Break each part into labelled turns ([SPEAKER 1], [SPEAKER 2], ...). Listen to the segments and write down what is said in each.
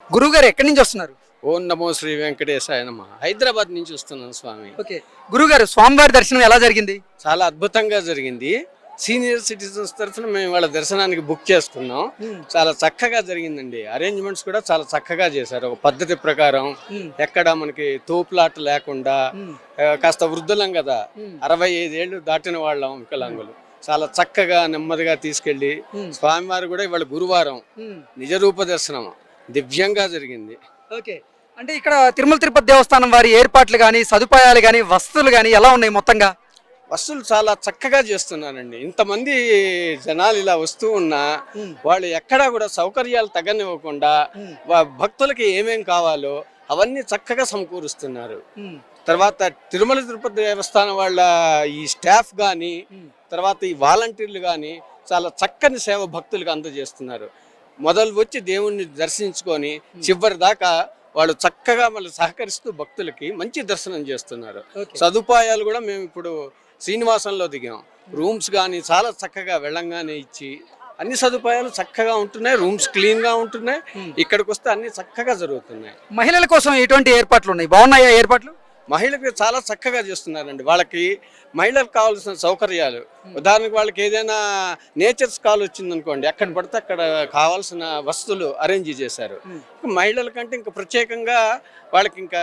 [SPEAKER 1] గురువు గారు ఎక్కడి నుంచి వస్తున్నారు?
[SPEAKER 2] ఓం నమో శ్రీ వెంకటేశాయ నమ. హైదరాబాద్ నుంచి వస్తున్నాను స్వామి.
[SPEAKER 1] ఓకే, గురువు గారు స్వామివారి దర్శనం ఎలా జరిగింది?
[SPEAKER 2] చాలా అద్భుతంగా జరిగింది. సీనియర్ సిటిజన్స్ తరఫున మేము వాళ్ళ దర్శనానికి బుక్ చేసుకున్నాం. చాలా చక్కగా జరిగిందండి. అరేంజ్మెంట్స్ కూడా చాలా చక్కగా చేశారు. ఒక పద్ధతి ప్రకారం ఎక్కడ మనకి తోపులాట లేకుండా, కాస్త వృద్ధులం కదా, 65 ఏళ్ళు దాటిన వాళ్ళం వికలాంగులు. చాలా చక్కగా నెమ్మదిగా తీసుకెళ్లి స్వామివారు కూడా ఇవాళ గురువారం నిజరూప దర్శనం దివ్యంగా జరిగింది.
[SPEAKER 1] ఓకే, అంటే ఇక్కడ తిరుమల తిరుపతి దేవస్థానం వారి ఏర్పాట్లు కానీ, సదుపాయాలు కానీ, వసతులు కానీ ఎలా ఉన్నాయి మొత్తంగా?
[SPEAKER 2] వస్తువులు చాలా చక్కగా చేస్తున్నారండి. ఇంతమంది జనాలు ఇలా వస్తూ ఉన్నా వాళ్ళు ఎక్కడా కూడా సౌకర్యాలు తగ్గనివ్వకుండా భక్తులకి ఏమేం కావాలో అవన్నీ చక్కగా సమకూరుస్తున్నారు. తర్వాత తిరుమల తిరుపతి దేవస్థానం వాళ్ళ ఈ స్టాఫ్ కానీ, తర్వాత ఈ వాలంటీర్లు కానీ చాలా చక్కని సేవ భక్తులకు అందజేస్తున్నారు. మొదలు వచ్చి దేవుణ్ణి దర్శించుకొని చివరి దాకా వాళ్ళు చక్కగా మళ్ళీ సహకరిస్తూ భక్తులకి మంచి దర్శనం చేస్తున్నారు. సదుపాయాలు కూడా మేము ఇప్పుడు శ్రీనివాసంలో దిగాం. రూమ్స్ కానీ చాలా చక్కగా వెళ్ళంగానే ఇచ్చి అన్ని సదుపాయాలు చక్కగా ఉంటున్నాయి. రూమ్స్ క్లీన్గా ఉంటున్నాయి. ఇక్కడికి వస్తే అన్ని చక్కగా జరుగుతున్నాయి.
[SPEAKER 1] మహిళల కోసం ఎటువంటి ఏర్పాట్లు ఉన్నాయి? బాగున్నాయా ఏర్పాట్లు?
[SPEAKER 2] మహిళలకు చాలా చక్కగా చేస్తున్నారండి. వాళ్ళకి మహిళలకు కావాల్సిన సౌకర్యాలు, ఉదాహరణకు వాళ్ళకి ఏదైనా నేచర్స్ కాల్ వచ్చిందనుకోండి, ఎక్కడ పడితే అక్కడ కావాల్సిన వస్తువులు అరేంజ్ చేశారు. మహిళల కంటే ఇంకా ప్రత్యేకంగా వాళ్ళకి ఇంకా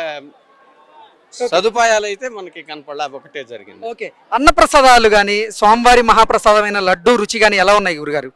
[SPEAKER 2] సదుపాయాలు అయితే మనకి కనపడలే, ఒకటే జరిగింది.
[SPEAKER 1] ఓకే, అన్నప్రసాదాలు కానీ, స్వామివారి మహాప్రసాదమైన లడ్డు రుచి కానీ ఎలా ఉన్నాయి గురుగారు?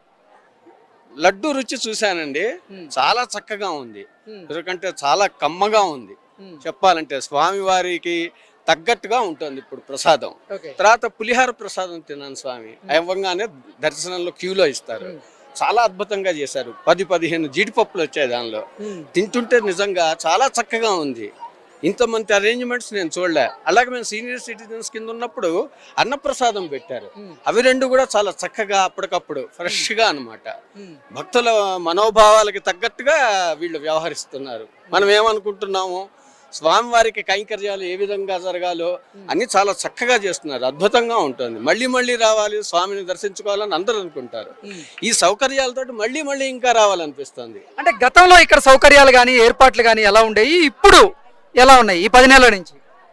[SPEAKER 2] లడ్డు రుచి చూశానండి, చాలా చక్కగా ఉంది. ఎందుకంటే చాలా కమ్మగా ఉంది. చెప్పాలంటే స్వామివారికి తగ్గట్టుగా ఉంటుంది ఇప్పుడు ప్రసాదం. తర్వాత పులిహార ప్రసాదం తిన్నాను స్వామి. అవ్వంగానే దర్శనంలో క్యూలో ఇస్తారు. చాలా అద్భుతంగా చేశారు. 10-15 జీడిపప్పులు వచ్చాయి దానిలో. తింటుంటే నిజంగా చాలా చక్కగా ఉంది. ఇంతమంది అరేంజ్మెంట్స్ నేను చూడలే. అలాగే మేము సీనియర్ సిటిజన్స్ కింద ఉన్నప్పుడు అన్నప్రసాదం పెట్టారు. అవి రెండు కూడా చాలా చక్కగా అప్పటికప్పుడు ఫ్రెష్గా అనమాట. భక్తుల మనోభావాలకి తగ్గట్టుగా వీళ్ళు వ్యవహరిస్తున్నారు. మనం ఏమనుకుంటున్నాము, స్వామివారికి కైంకర్యాలు ఏ విధంగా జరగాలో అన్ని చాలా చక్కగా చేస్తున్నారు. అద్భుతంగా ఉంటుంది. మళ్ళీ మళ్ళీ రావాలి, స్వామిని దర్శించుకోవాలని అందరూ అనుకుంటారు. ఈ సౌకర్యాలతో మళ్ళీ మళ్ళీ ఇంకా రావాలనిపిస్తుంది.
[SPEAKER 1] అంటే గతంలో ఇక్కడ సౌకర్యాలు కానీ, ఏర్పాట్లు కానీ ఎలా ఉండేవి, ఇప్పుడు ఎలా ఉన్నాయి? ఈ 10 నెలల నుంచి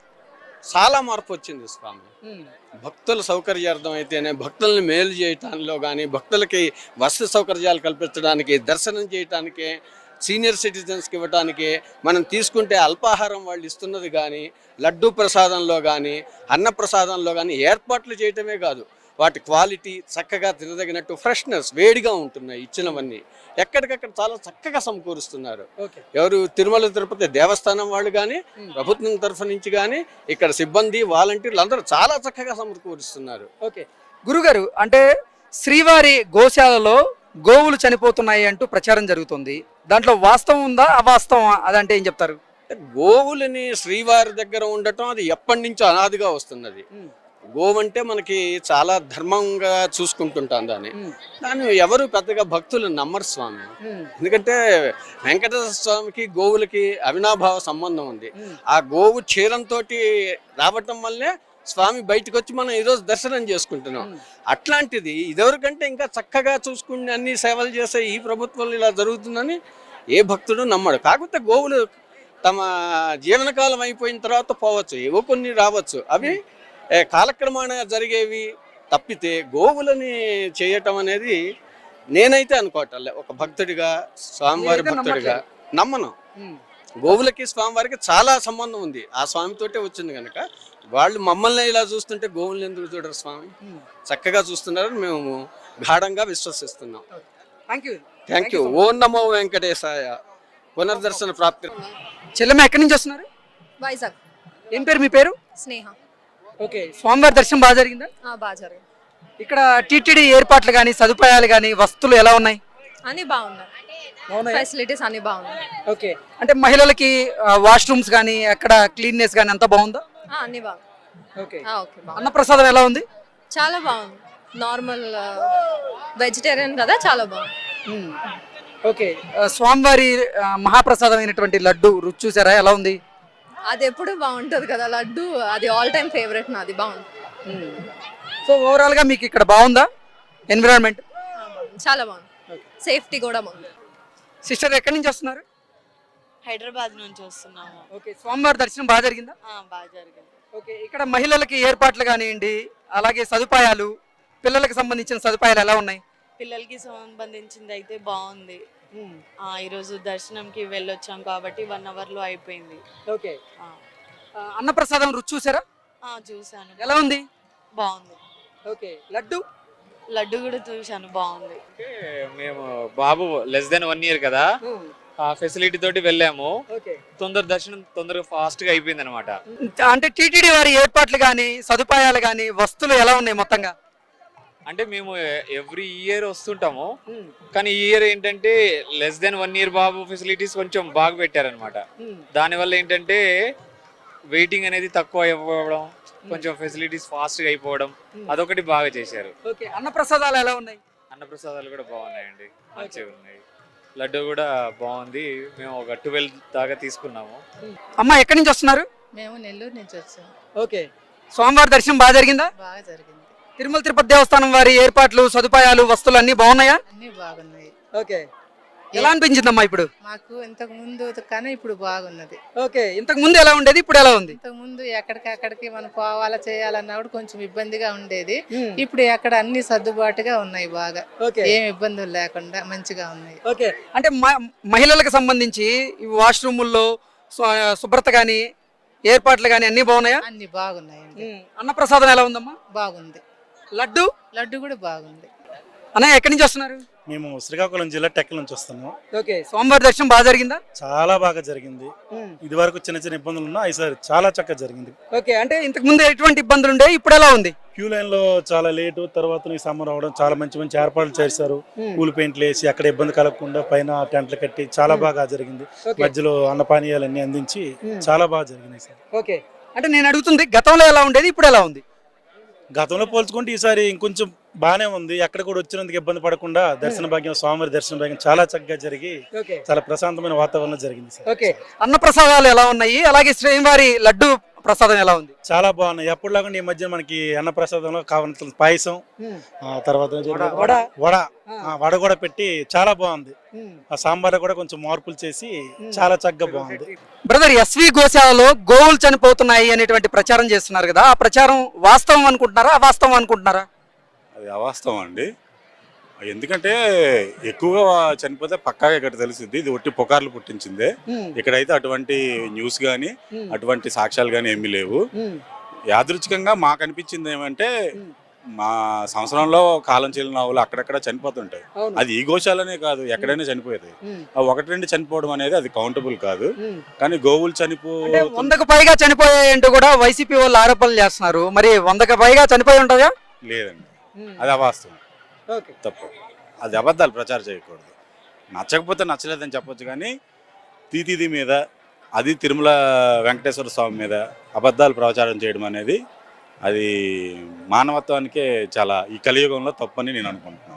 [SPEAKER 2] చాలా మార్పు వచ్చింది స్వామి. భక్తుల సౌకర్యార్థం అయితేనే, భక్తుల్ని మేలు చేయటానిలో కానీ, భక్తులకి వసతి సౌకర్యాలు కల్పించడానికి, దర్శనం చేయటానికి, సీనియర్ సిటిజన్స్కి ఇవ్వటానికి, మనం తీసుకుంటే అల్పాహారం వాళ్ళు ఇస్తున్నది కానీ, లడ్డూ ప్రసాదంలో కానీ, అన్న ప్రసాదంలో కానీ ఏర్పాట్లు చేయటమే కాదు, వాటి క్వాలిటీ చక్కగా తినదగినట్టు ఫ్రెష్నెస్ వేడిగా ఉంటున్నాయి. ఇచ్చినవన్నీ ఎక్కడికక్కడ చాలా చక్కగా సమకూరుస్తున్నారు. ఎవరు తిరుమల తిరుపతి దేవస్థానం వాళ్ళు కానీ, ప్రభుత్వం తరఫు నుంచి కానీ, ఇక్కడ సిబ్బంది వాలంటీర్లు అందరూ చాలా చక్కగా సమకూరుస్తున్నారు.
[SPEAKER 1] ఓకే గురుగారు, అంటే శ్రీవారి గోశాలలో గోవులు చనిపోతున్నాయి అంటూ ప్రచారం జరుగుతుంది. దాంట్లో వాస్తవం ఉందా, అవాస్తవం? అదంటే ఏం చెప్తారు?
[SPEAKER 2] గోవులని శ్రీవారి దగ్గర ఉండటం అది ఎప్పటి నుంచో అనాదిగా వస్తున్నది. గోవు అంటే మనకి చాలా ధర్మంగా చూసుకుంటుంటాం దాన్ని. ఎవరు పెద్దగా భక్తులు నమ్మరు స్వామి. ఎందుకంటే వెంకటేశ్వర స్వామికి గోవులకి అవినాభావ సంబంధం ఉంది. ఆ గోవు క్షీరంతో రావటం వల్లే స్వామి బయటకు వచ్చి మనం ఈరోజు దర్శనం చేసుకుంటున్నాం. అట్లాంటిది ఇదివరకంటే ఇంకా చక్కగా చూసుకుని అన్ని సేవలు చేసే ఈ ప్రభుత్వంలో ఇలా జరుగుతుందని ఏ భక్తుడు నమ్మడు. కాకపోతే గోవులు తమ జీవనకాలం అయిపోయిన తర్వాత పోవచ్చు, ఏవో కొన్ని రావచ్చు. అవి కాలక్రమాన జరిగేవి తప్పితే గోవులని చేయటం అనేది నేనైతే అనుకోవట్లే. ఒక భక్తుడిగా, స్వామివారి భక్తుడిగా నమ్మను. గోవులకి స్వామివారికి చాలా సంబంధం ఉంది. ఆ స్వామితోటే వచ్చింది కనుక వాళ్ళు మమ్మల్ని ఇలా చూస్తుంటే గోవుల్ని ఎందుకు చూడరు స్వామి? చక్కగా చూస్తున్నారని మేము గాఢంగా విశ్వసిస్తున్నాం. Thank you. ఓం నమో వెంకటేశాయ. పునర్దర్శన ప్రాప్తి.
[SPEAKER 1] చెల్లెమ్మ ఎక్కడి నుంచి వస్తున్నారు?
[SPEAKER 3] వైజాగ్.
[SPEAKER 1] ఏం పేరు మీ పేరు?
[SPEAKER 3] స్నేహ.
[SPEAKER 1] ఓకే, స్వామివారి దర్శనం బాగా జరిగిందా?
[SPEAKER 3] బాగా జరిగింది.
[SPEAKER 1] ఇక్కడ టీటీడీ ఏర్పాట్లు కానీ, సదుపాయాలు కానీ, వస్తువులు ఎలా ఉన్నాయి?
[SPEAKER 3] అన్ని బాగున్నాయి. ఫెసిలిటీస్ అన్ని బాగున్నాయి.
[SPEAKER 1] ఓకే, అంటే మహిళలకి వాష్రూమ్స్ కానీ, అక్కడ క్లీన్నెస్ కానీ అంతా బాగుందా?
[SPEAKER 3] అన్ని బాగుంది.
[SPEAKER 1] ఓకే, అన్నప్రసాదం ఎలా ఉంది?
[SPEAKER 3] చాలా బాగుంది. నార్మల్ వెజిటేరియన్ కదా, చాలా బాగుంది.
[SPEAKER 1] ఓకే, స్వామివారి మహాప్రసాదమైనటువంటి లడ్డు రుచి చూసారా, ఎలా ఉంది?
[SPEAKER 3] అది ఎప్పుడు బాగుంటుంది కదా లడ్డు, అది ఆల్ టైమ్ ఫేవరెట్ నాది. బాగుంది.
[SPEAKER 1] సో ఓవరాల్గా మీకు ఇక్కడ బాగుందా ఎన్విరాన్మెంట్?
[SPEAKER 3] చాలా బాగుంది. సేఫ్టీ కూడా బాగుంది.
[SPEAKER 1] సిస్టర్ ఎక్కడి నుంచి వస్తున్నారు?
[SPEAKER 4] హైదరాబాద్ నుంచి వస్తున్నాము.
[SPEAKER 1] ఓకే, స్వామివారి దర్శనం బాగా జరిగిందా?
[SPEAKER 4] బాగా జరిగింది.
[SPEAKER 1] ఓకే, ఇక్కడ మహిళలకి ఏర్పాట్లు కానివ్వండి, అలాగే సదుపాయాలు, పిల్లలకు సంబంధించిన సదుపాయాలు ఎలా ఉన్నాయి?
[SPEAKER 4] పిల్లలకి సంబంధించింది అయితే బాగుంది. ఈరోజు దర్శనంకి వెళ్ళొచ్చాం కాబట్టి 1 అవర్లో అయిపోయింది.
[SPEAKER 1] ఓకే,
[SPEAKER 4] ఆ,
[SPEAKER 1] అన్నప్రసాదం రుచి చూసారా?
[SPEAKER 4] చూశాను,
[SPEAKER 1] ఎలా ఉంది?
[SPEAKER 4] బాగుంది.
[SPEAKER 1] ఓకే, లడ్డు
[SPEAKER 4] లడ్డు కూడా చూశాను, బాగుంది.
[SPEAKER 5] అంటే మేము బాబు లెస్ దెన్ 1 ఇయర్ కదా, ఆ ఫెసిలిటీ తోటి వెళ్ళాము.
[SPEAKER 1] ఓకే,
[SPEAKER 5] దర్శనం తొందరగా ఫాస్ట్ గా అయిపోయింది అనమాట.
[SPEAKER 1] అంటే టీటీడీ వారి ఏర్పాట్లు కానీ సదుపాయాలు కానీ వస్తువులు ఎలా ఉన్నాయి మొత్తంగా?
[SPEAKER 5] అంటే మేము ఎవ్రీ ఇయర్ వస్తుంటాము, కానీ ఈ ఇయర్ ఏంటంటే లెస్ దెన్ 1 ఇయర్ బాబు ఫెసిలిటీస్ కొంచెం బాగా పెట్టారనమాట. దానివల్ల ఏంటంటే వెయిటింగ్ అనేది తక్కువ అయిపోవడం, కొంచెం ఫెసిలిటీస్ ఫాస్ట్ గా అయిపోవడం, అదొకటి బాగా చేశారు.
[SPEAKER 1] ఓకే, అన్నప్రసాదాలు ఎలా ఉన్నాయి?
[SPEAKER 5] అన్నప్రసాదాలు కూడా బాగున్నాయండి, మంచిగా ఉన్నాయి. లడ్డు కూడా బాగుంది. మేము ఒక 12 దాకా తీసుకున్నాము.
[SPEAKER 1] అమ్మ, ఎక్కడి నుంచి వస్తున్నారు?
[SPEAKER 6] మేము నెల్లూరు నుంచి వచ్చాము.
[SPEAKER 1] ఓకే, స్వామివారి దర్శనం బాగా జరిగిందా?
[SPEAKER 6] బాగా జరిగింది.
[SPEAKER 1] తిరుమల తిరుపతి దేవస్థానం వారి ఏర్పాట్లు, సదుపాయాలు, వస్తువులు అన్ని బాగున్నాయా?
[SPEAKER 6] అన్ని బాగున్నాయి.
[SPEAKER 1] ఓకే, ఎలా అనిపించిందమ్మా ఇప్పుడు?
[SPEAKER 6] మాకు ఇంతకు ముందు కన్నా ఇప్పుడు బాగున్నది.
[SPEAKER 1] ఓకే, ఇంతకు ముందు ఎలా ఉండేది, ఇప్పుడు ఎలా ఉంది?
[SPEAKER 6] ఇంతకు ముందు ఎక్కడికి మనం పోవాలా చేయాలన్నప్పుడు కొంచెం ఇబ్బందిగా ఉండేది. ఇప్పుడు ఎక్కడ అన్ని సర్దుబాటుగా ఉన్నాయి, బాగా
[SPEAKER 1] ఓకే,
[SPEAKER 6] ఏం ఇబ్బందులు లేకుండా మంచిగా ఉన్నాయి.
[SPEAKER 1] ఓకే, అంటే మహిళలకు సంబంధించి ఈ వాష్రూముల్లో శుభ్రత కానీ ఏర్పాట్లు కానీ అన్ని బాగున్నాయా?
[SPEAKER 6] అన్ని బాగున్నాయండి.
[SPEAKER 1] అన్నప్రసాదం ఎలా ఉందమ్మా?
[SPEAKER 6] బాగుంది.
[SPEAKER 1] లడ్డు
[SPEAKER 6] లడ్డు కూడా బాగుంది.
[SPEAKER 1] అన్నయ్య, ఎక్కడి నుంచి వస్తున్నారు?
[SPEAKER 7] మేము శ్రీకాకుళం జిల్లా టెక్కల నుంచి వస్తున్నాము.
[SPEAKER 1] ఓకే, స్వామివారి దర్శనం బాగా జరిగిందా?
[SPEAKER 7] చాలా బాగా జరిగింది. ఇది వరకు చిన్న చిన్న ఇబ్బందులు ఉన్నా ఈసారి చాలా చక్కగా జరిగింది.
[SPEAKER 1] ఓకే, అంటే ఇంతకు ముందు ఎటువంటి ఇబ్బందులు ఉండే, ఇప్పుడు ఎలా ఉంది?
[SPEAKER 7] క్యూ లైన్ లో చాలా లేటు, తర్వాత ఈ సమ్మర్ అవడం, చాలా మంచి మంచి ఏర్పాట్లు చేశారు. పూల్ పెయింట్లు వేసి అక్కడ ఇబ్బంది కలగకుండా పైన టెంట్లు కట్టి చాలా బాగా జరిగింది. మధ్యలో అన్నపానీయాలన్నీ అందించి చాలా బాగా జరిగింది ఈసారి.
[SPEAKER 1] ఓకే, అంటే నేను అడుగుతుంది గతంలో ఎలా ఉండేది, ఇప్పుడు ఎలా ఉంది?
[SPEAKER 7] గతంలో పోల్చుకుంటే ఈసారి ఇంకొంచెం బాగానే ఉంది. ఎక్కడ కూడా వచ్చినందుకు ఇబ్బంది పడకుండా దర్శన భాగ్యం, స్వామివారి దర్శన భాగ్యం చాలా చక్కగా జరిగి చాలా ప్రశాంతమైన వాతావరణం జరిగింది సార్.
[SPEAKER 1] ఓకే, అన్న ప్రసాదాలు ఎలా ఉన్నాయి, అలాగే శ్రీవారి లడ్డు ప్రసాదం ఎలా ఉంది?
[SPEAKER 7] చాలా బాగున్నాయి. ఎప్పుడులాగా ఈ మధ్య మనకి అన్న ప్రసాదంలో కావాల్సిన పాయసం, తర్వాత వడ కూడా పెట్టి చాలా బాగుంది. ఆ సాంబార్ కూడా కొంచెం మార్పులు చేసి చాలా చక్కగా బాగుంది.
[SPEAKER 1] బ్రదర్, ఎస్వి గోశాలలో గోవులు చనిపోతున్నాయి అనేటువంటి ప్రచారం చేస్తున్నారు కదా, ఆ ప్రచారం వాస్తవం అనుకుంటున్నారా, అవాస్తవం అనుకుంటున్నారా?
[SPEAKER 8] అది అవాస్తవం అండి. ఎందుకంటే ఎక్కువగా చనిపోతే పక్కాగా ఇక్కడ తెలిసింది, ఇది ఒట్టి పుకార్లు పుట్టించిందే. ఇక్కడైతే అటువంటి న్యూస్ కానీ అటువంటి సాక్ష్యాలు కానీ ఏమీ లేవు. యాదృచ్ఛికంగా మాకు అనిపించింది ఏమంటే, మా సంవత్సరంలో కాలం చెల్లిన ఆవులు అక్కడక్కడ చనిపోతుంటాయి. అది ఈ గోశాలనే కాదు, ఎక్కడైనా చనిపోతాయి. ఆ 1-2 చనిపోవడం అనేది అది కౌంటబుల్ కాదు. కానీ గోవులు
[SPEAKER 1] 100కు పైగా చనిపోయాయంటూ కూడా వైసీపీ వాళ్ళు ఆరోపణలు చేస్తున్నారు. మరి 100కు పైగా చనిపోయి ఉంటుందా?
[SPEAKER 8] లేదండి, అది అవాస్తవం, తప్పు. అది అబద్ధాలు ప్రచారం చేయకూడదు. నచ్చకపోతే నచ్చలేదని చెప్పొచ్చు, కానీ తీతిది మీద, అది తిరుమల వెంకటేశ్వర స్వామి మీద అబద్ధాలు ప్రచారం చేయడం అనేది అది మానవత్వానికే చాలా ఈ కలియుగంలో తప్పని నేను అనుకుంటున్నాను.